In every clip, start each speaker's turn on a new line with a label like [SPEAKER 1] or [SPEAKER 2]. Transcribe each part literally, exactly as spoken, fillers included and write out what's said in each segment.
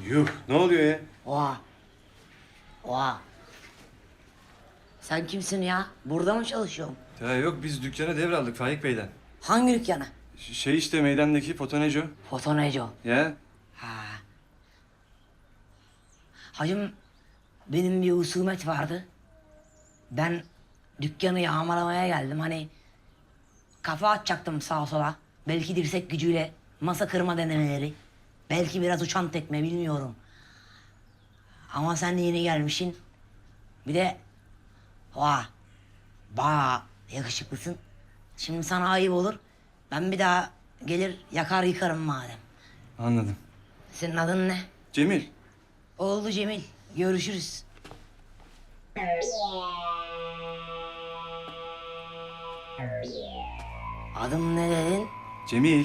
[SPEAKER 1] Yuh, ne oluyor ya?
[SPEAKER 2] Oha. Oha. Sen kimsin ya? Burada mı çalışıyorsun?
[SPEAKER 1] Ya yok, biz dükkana devraldık Faik Bey'den.
[SPEAKER 2] Hangi dükkana?
[SPEAKER 1] Ş- Şey işte meydandaki Fotoneco.
[SPEAKER 2] Fotoneco.
[SPEAKER 1] Ya
[SPEAKER 2] Ha. Hacım, benim bir husumet vardı. Ben dükkanı yağmalamaya geldim. Hani kafa atacaktım sağa sola. Belki dirsek gücüyle masa kırma denemeleri. Belki biraz uçan tekme, bilmiyorum. Ama sen yeni gelmişsin. Bir de oha, bayağı yakışıklısın. Şimdi sana ayıp olur. Ben bir daha gelir yakar yıkarım madem.
[SPEAKER 1] anladım.
[SPEAKER 2] Senin adın ne?
[SPEAKER 1] Cemil.
[SPEAKER 2] Oldu Cemil. Görüşürüz. Adım ne dedin?
[SPEAKER 1] Cemil.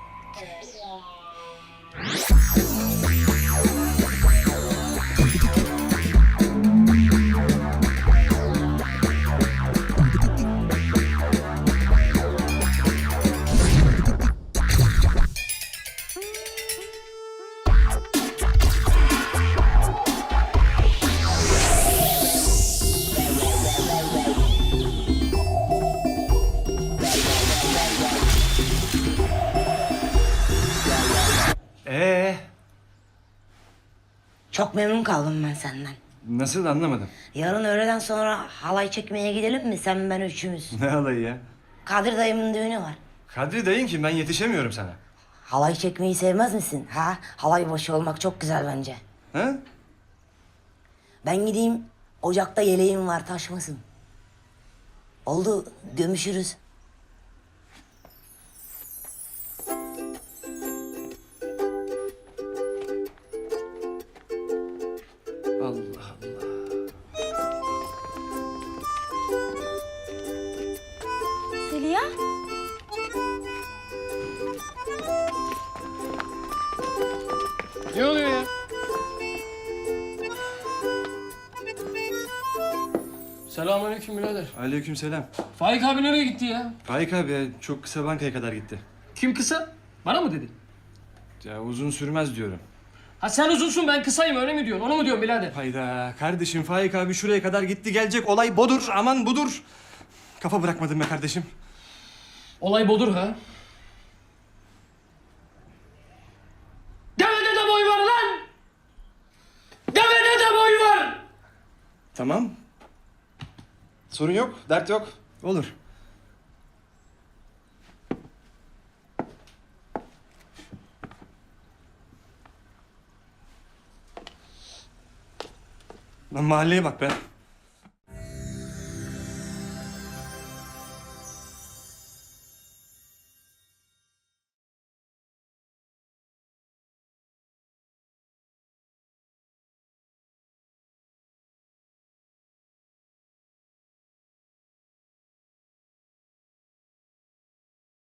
[SPEAKER 1] Ee,
[SPEAKER 2] Çok memnun kaldım ben senden.
[SPEAKER 1] nasıl anlamadım.
[SPEAKER 2] Yarın öğleden sonra halay çekmeye gidelim mi, sen ben üçümüz?
[SPEAKER 1] Ne alayı ya?
[SPEAKER 2] Kadir dayımın düğünü var.
[SPEAKER 1] Kadri dayın kim? Ben yetişemiyorum sana.
[SPEAKER 2] Halay çekmeyi sevmez misin? Ha? Halay başı olmak çok güzel bence.
[SPEAKER 1] Ha?
[SPEAKER 2] Ben gideyim, ocakta yeleğim var, taşmasın. Oldu, gömüşürüz.
[SPEAKER 1] Allah Allah.
[SPEAKER 3] Zeliha?
[SPEAKER 4] Ne oluyor ya? Selamünaleyküm birader.
[SPEAKER 1] Aleykümselam.
[SPEAKER 4] Faik abi nereye gitti ya?
[SPEAKER 1] Faik abi ya, çok kısa bankaya kadar gitti.
[SPEAKER 4] Kim kısa? Bana mı dedin?
[SPEAKER 1] Ya uzun sürmez diyorum.
[SPEAKER 4] Ha sen uzunsun ben kısayım öyle mi diyorsun? Onu mu diyorsun birader?
[SPEAKER 1] Hayda kardeşim, Faik abi şuraya kadar gitti gelecek, olay bodur, aman budur. Kafa bırakmadın be kardeşim.
[SPEAKER 4] Olay bodur ha. Devede de boy var lan! Devede de boy var!
[SPEAKER 1] Tamam. Sorun yok, dert yok. Olur. Lan mahalleye bak be.